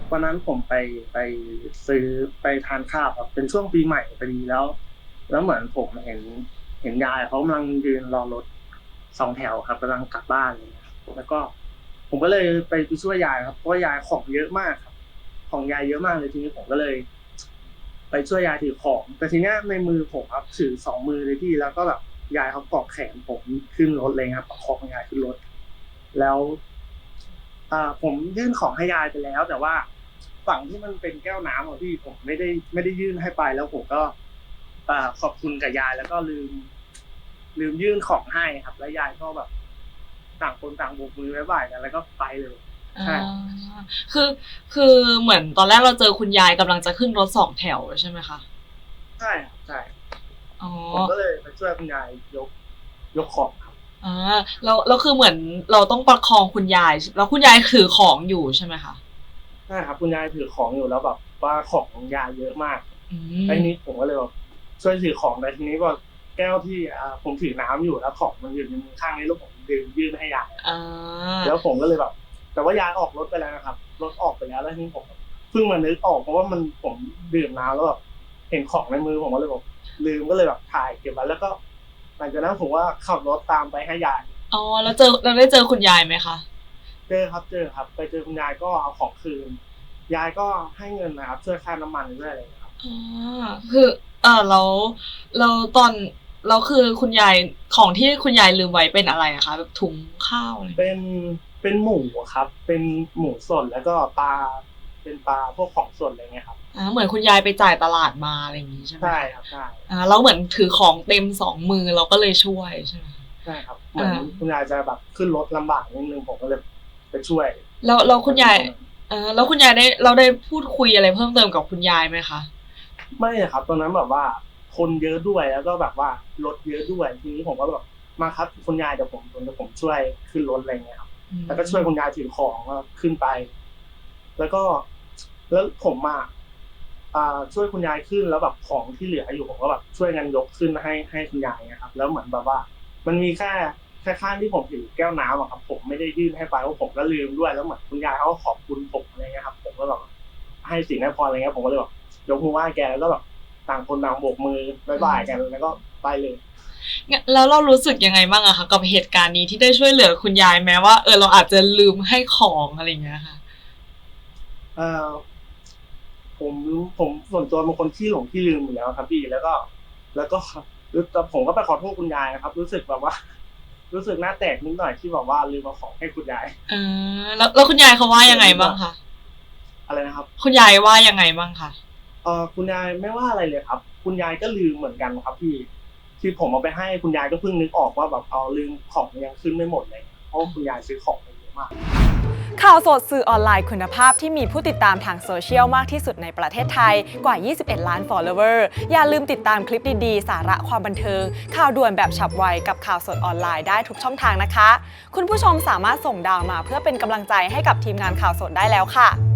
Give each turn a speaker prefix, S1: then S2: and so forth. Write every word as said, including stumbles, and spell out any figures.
S1: วันนั้นผมไปไปซื้อไปทานข้าวครับเป็นช่วงปีใหม่พอดีแล้วแล้วเหมือนผมเห็นเห็นยายเขากำลังยืนรอรถสองแถวครับกำลังกลับบ้านอะไรเงี้ยครับแล้วก็ผมก็เลยไปไปช่วยยายครับเพราะว่ายายของเยอะมากครับของยายเยอะมากเลยทีนี้ผมก็เลยไปช่วยยายถือของแต่ทีเนี้ยในมือผมครับถือสองมือเลยพี่แล้วก็แบบยายเขาเกาะแขนผมขึ้นรถเลยครับประคองยายขึ้นรถแล้ว อ่าผมยื่นของให้ยายไปแล้วแต่ว่าฝั่งที่มันเป็นแก้วน้ำอะพี่ผมไม่ได้ไม่ได้ยื่นให้ไปแล้วผมก็อ่าขอบคุณกับยายแล้วก็ลืมลืมยื่นของให้ครับแล้วยายก็แบบต่างคนต่างโบกมือบ๊ายบายกันแล้วก็ไปเลย
S2: อา
S1: ใช่
S2: คือคือเหมือนตอนแรกเราเจอคุณยายกำลังจะขึ้นรถสองแถวใช่ไหมคะ
S1: ใช่ครับใช่
S2: อ๋อ
S1: ผมก็เลยไปช่วยคุณยายยกยกของครับ
S2: อาแล้วแล้วคือเหมือนเราต้องประคองคุณยายแล้วคุณยายถือของอยู่ใช่ไหมคะ
S1: ใช่ครับคุณยายถือของอยู่แล้วแบบว่าของของยายเยอะมาก
S2: อื
S1: แล้วที
S2: ม
S1: นี้ผมก็เลยแบบช่วยถือของแต่ทีนี้ว่าแก้วที่อ่าผมถือน้ำอยู่แล้วของมันอยู่ในมือข้างนี้แล้วผมลืมยื่นให้ยาย
S2: อา
S1: แล้วผมก็เลยแบบแต่ว่ายายออกรถไปแล้วนะครับรถออกไปแล้วแล้วทีนี้ผมเพิ่งมานึกออกเพราะว่ามันผมดื่มน้ำแล้วแบบเห็นของในมือผมก็เลยแบบลืมก็เลยแบบถ่ายเก็บไว้แล้วก็หลังจากนั้นผมว่าขับรถตามไปให้ยาย
S2: อ๋อแล้วเจอเราได้เจอคุณยายไหมคะ
S1: เจอครับเจอครับไปเจอคุณยายก็เอาของคืนยายก็ให้เงินนะครับช่วยค่าน้ำมันด้วยอะไรอย่างเงี้ยครับ
S2: อาคือเอ่อแล้วแล้วตอนแล้วคือคุณยายของที่คุณยายลืมไว้เป็นอะไรอะคะแบบถุงข้าวอะไร
S1: เป็นเป็นหมูครับเป็นหมูสดแล้วก็ปลาเป็นปลาพวกของสดอะไรเงี้ยครับ
S2: อาเหมือนคุณยายไปจ่ายตลาดมาอะไรอย่างงี้ใช่ไหม
S1: ใช่
S2: คะ
S1: ครับใช่
S2: อาแล้วเหมือนถือของเต็มสองมือเราก็เลยช่วยใช่ไหมคะ
S1: ใช่ครับเหมือน
S2: อา
S1: คุณยายจะแบบขึ้นรถลำบากนิดนึงผมก็เลยไปช่วย
S2: แล้วแล้ว
S1: พ
S2: คุณยาย
S1: อดีตรงนั้น
S2: เออแล้วคุณยายได้เราได้พูดคุยอะไรเพิ่มเติมกับคุณยายไหมคะ
S1: ไม่ครับตอนนั้นแบบว่าคนเยอะด้วยแล้วก็แบบว่ารถเยอะด้วยทีนี้ผมก็แบบมาครับคุณยายเดี๋ยวผมเดี๋ยวผมช่วยขึ้นรถอะไรเงี้ยครับ
S2: อื
S1: แล้วก็ช่วยคุณ
S2: ม
S1: ยายถือของก็ขึ้นไปแล้วก็แล้วผมอะอ่าช่วยคุณยายขึ้นแล้วแบบของที่เหลืออยู่ผมก็แบบช่วยกันยกขึ้นให้ให้คุณยายนะครับแล้วเหมือนแบบว่ามันมีแค่แค่ข้างที่ผมถือแก้วน้ำอะครับผมไม่ได้ยื่นให้ไปเพราะผมก็ลืมด้วยแล้วเหมือนคุณยายเขาก็ขอบคุณผมอะไรเงี้ยครับผมก็แบบให้สิ่งให้พรอะไรเงี้ยผมก็เลยแบบยกมือไหว้แกแล้วก็แบบต่างคนต่างโบกมือบ๊าย
S2: อื
S1: บายกัน
S2: ม
S1: แล้วก็ไปเลย
S2: งแล้วเรารู้สึกยังไงบ้างอะคะกับเหตุการณ์นี้ที่ได้ช่วยเหลือคุณยายแม้ว่าเออเราอาจจะลืมให้ของอะไรอย่างเงี้ยค่ะ
S1: เอ่อผมผมส่วนตัวเป็นคนขี้หลงขี้ลืมอยู่แล้วครับพี่แล้วก็แล้วก็แล้วผมก็ไปขอโทษคุณยายนะครับรู้สึกแบบว่ารู้สึกหน้าแตกนิดหน่อยที่แบบว่าลืมเอาของให้คุณยาย
S2: อาแล้วแล้วคุณยายเขาว่ายังไง
S1: เขินนิดหน่อย
S2: บ้างคะ
S1: อะไรนะครับ
S2: คุณยายว่ายังไงบ้างคะ
S1: เอ่อคุณยายไม่ว่าอะไรเลยครับคุณยายก็ลืมเหมือนกันครับพี่ที่ผมเอาไปให้คุณยายก็เพิ่งนึกออกว่าแบบเอาลืมของยังขึ้นไม่หมดเลยเพราะว่าคุณยายซื้อของไปเยอะมาก
S3: ข่าวสดสื่อออนไลน์คุณภาพที่มีผู้ติดตามทางโซเชียลมากที่สุดในประเทศไทยกว่า ยี่สิบเอ็ด ล้าน follower อย่าลืมติดตามคลิปดีๆ สาระความบันเทิง ข่าวด่วนแบบฉับไวกับข่าวสดออนไลน์ได้ทุกช่องทางนะคะ คุณผู้ชมสามารถส่งดาวมาเพื่อเป็นกำลังใจให้กับทีมงานข่าวสดได้แล้วค่ะ